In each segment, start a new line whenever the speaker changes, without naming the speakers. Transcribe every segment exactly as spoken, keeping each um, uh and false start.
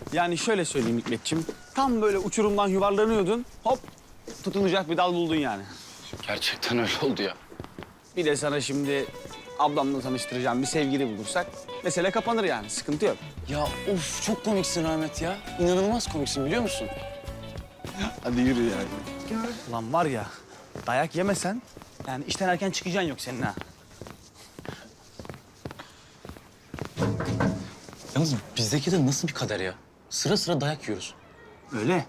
Yani şöyle söyleyeyim Hikmetciğim. Tam böyle uçurumdan yuvarlanıyordun. Hop tutunacak bir dal buldun yani.
Gerçekten öyle oldu ya.
Bir de sana şimdi ablamla tanıştıracağım bir sevgili bulursak mesele kapanır yani. Sıkıntı yok.
Ya of çok komiksin Ahmet ya. İnanılmaz komiksin biliyor musun?
Hadi yürü yani. Ulan var ya dayak yemesen yani işten erken çıkacaksın yok senin ha.
Yalnız bizdeki de nasıl bir kader ya? Sıra sıra dayak yiyoruz.
Öyle.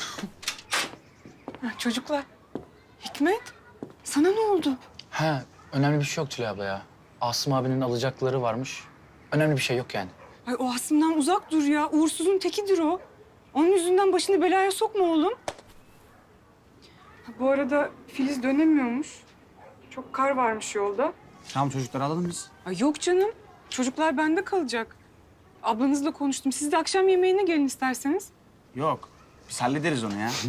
Ha, çocuklar, Hikmet, sana ne oldu?
He, önemli bir şey yok Tülay abla ya. Asım abinin alacakları varmış. Önemli bir şey yok yani.
Ay o Asım'dan uzak dur ya. Uğursuzun tekidir o. Onun yüzünden başını belaya sokma oğlum. Ha, bu arada Filiz dönemiyormuş. Çok kar varmış yolda.
Tamam çocukları alalım biz.
Ay yok canım. Çocuklar bende kalacak. Ablanızla konuştum. Siz de akşam yemeğine gelin isterseniz.
Yok. Biz hallederiz onu ya.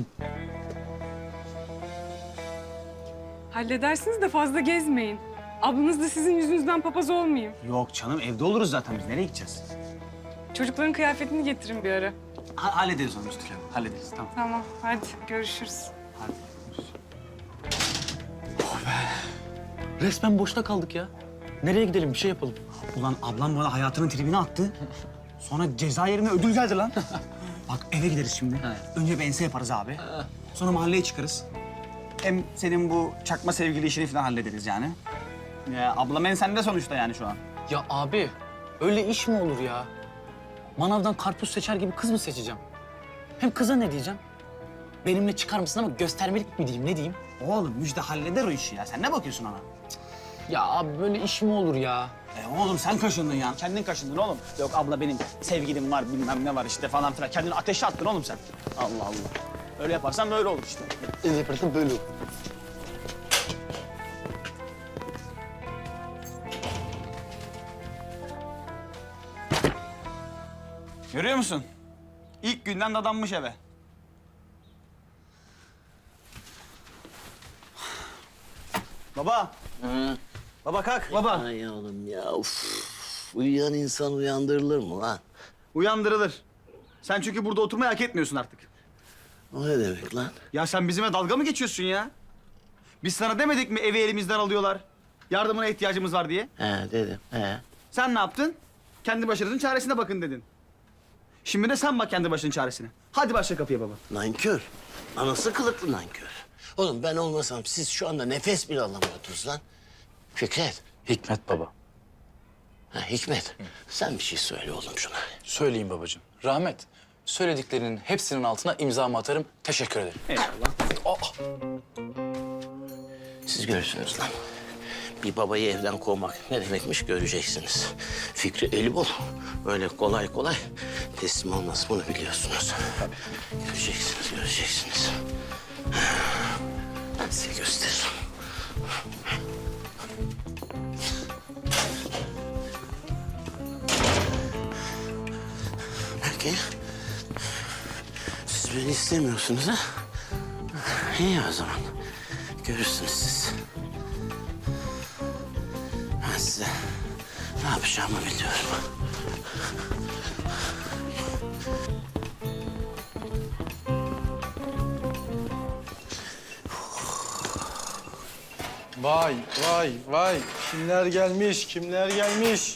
Halledersiniz de fazla gezmeyin. Ablanız da sizin yüzünüzden papaz olmayayım.
Yok canım evde oluruz zaten biz. Nereye gideceğiz?
Çocukların kıyafetini getirin bir ara.
Ha hallederiz onu Müstüle. Hallederiz tamam.
Tamam, hadi görüşürüz.
Hadi.
Resmen boşta kaldık ya. Nereye gidelim bir şey yapalım.
Ulan ablam bana hayatının tribine attı. Sonra ceza yerine ödül geldi lan. Bak eve gideriz şimdi. Önce bir ense yaparız abi. Sonra mahalleye çıkarız. Hem senin bu çakma sevgili işini falan hallederiz yani. Ya ablam ensende sonuçta yani şu an.
Ya abi öyle iş mi olur ya? Manavdan karpuz seçer gibi kız mı seçeceğim? Hem kıza ne diyeceğim? Benimle çıkar mısın ama göstermelik mi diyeyim ne diyeyim?
Oğlum Müjde halleder o işi ya. Sen ne bakıyorsun ona?
Ya abi böyle iş mi olur ya?
E oğlum sen kaşındın ya. Kendin kaşındın oğlum. Yok abla benim sevgilim var bilmem ne var işte falan filan. Kendini ateşe attın oğlum sen. Allah Allah. Öyle yaparsan böyle olur işte.
Ne yaparsın böyle olur.
Görüyor musun? İlk günden dadanmış eve. Baba.
Hı.
Baba kalk baba.
Ay oğlum ya uf. Uyuyan insan uyandırılır mı lan?
Uyandırılır. Sen çünkü burada oturmayı hak etmiyorsun artık.
O ne demek lan?
Ya sen bizimle dalga mı geçiyorsun ya? Biz sana demedik mi evi elimizden alıyorlar? Yardımına ihtiyacımız var diye.
He dedim he.
Sen ne yaptın? Kendi başınızın çaresine bakın dedin. Şimdi de sen bak kendi başının çaresine. Hadi başla kapıya baba.
Nankör. Anası kılıklı nankör. Oğlum ben olmasam siz şu anda nefes bile alamıyordunuz lan. Fikret.
Hikmet baba.
Ha, Hikmet. Sen bir şey söyle oğlum şuna.
Söyleyeyim babacığım. Rahmet, söylediklerinin hepsinin altına imzamı atarım. Teşekkür ederim.
Eyvallah.
Aa,
Siz görürsünüz lan. Bir babayı evden kovmak ne demekmiş göreceksiniz. Fikri eli bol. Öyle kolay kolay teslim olmaz bunu biliyorsunuz. Göreceksiniz, göreceksiniz. Ben size gösteririm. Belki siz beni istemiyorsunuz ha? İyi o zaman. Görürsünüz siz. Ben size ne yapacağımı biliyorum.
Vay vay vay. Kimler gelmiş, kimler gelmiş?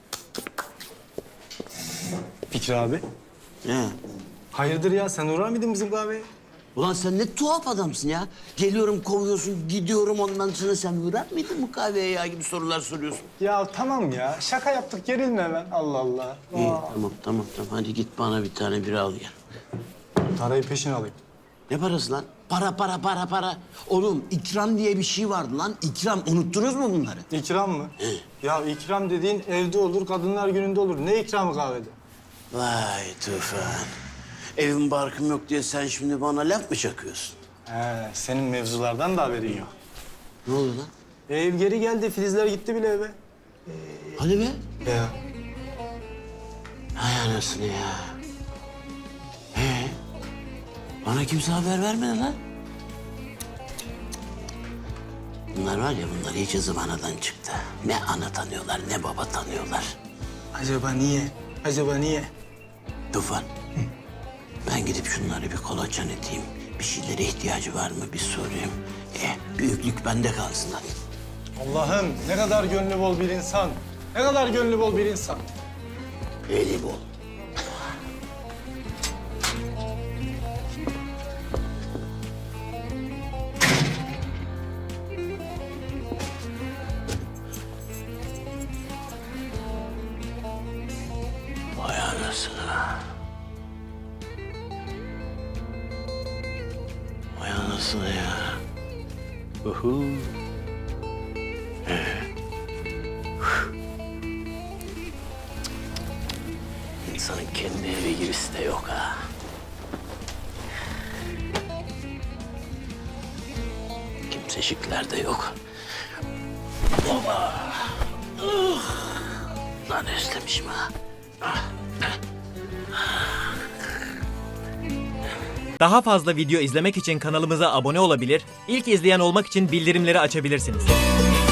Fikri abi.
Ne?
Hayırdır ya, sen uğrar mıydın bizim kahveye?
Ulan sen ne tuhaf adamsın ya. Geliyorum kovuyorsun, gidiyorum ondan sonra sen uğrar mıydın bu kahveye ya gibi sorular soruyorsun.
Ya tamam ya, şaka yaptık, gerilme hemen. Allah Allah.
İyi
Aa,
tamam tamam tamam hadi git bana bir tane bira al gel.
parayı peşin alayım.
Ne parası lan? Para para para para. Oğlum ikram diye bir şey vardı lan. İkram unuttunuz mu bunları?
İkram mı? Ya ikram dediğin evde olur, kadınlar gününde olur. Ne ikramı kahvede?
Vay Tufan. Evim barkım yok diye sen şimdi bana laf mı çakıyorsun?
He, senin mevzulardan da haberin yok.
Ne oldu lan?
Ev geri geldi, Filizler gitti bile eve.
Hadi be.
Ya
Hay anasını ya. Ee, bana kimse haber vermedi lan. Bunlar var ya, bunlar iyice zıvanadan çıktı. Ne ana tanıyorlar, ne baba tanıyorlar.
acaba niye? Acaba niye?
Tufan, Ben gidip şunları bir kolaçan edeyim. Bir şeylere ihtiyacı var mı bir sorayım. E, büyüklük bende kalsın hadi.
Allah'ım ne kadar gönlü bol bir insan. Ne kadar gönlü bol bir insan.
Eli bol. Vay anasını. Vay anasını ya. Uhu. İnsanın kendi evi gibisi de yok ha. Kimsecikler de yok. Baba. Uh. Lan özlemişim ha.
Daha fazla video izlemek için kanalımıza abone olabilir, ilk izleyen olmak için bildirimleri açabilirsiniz.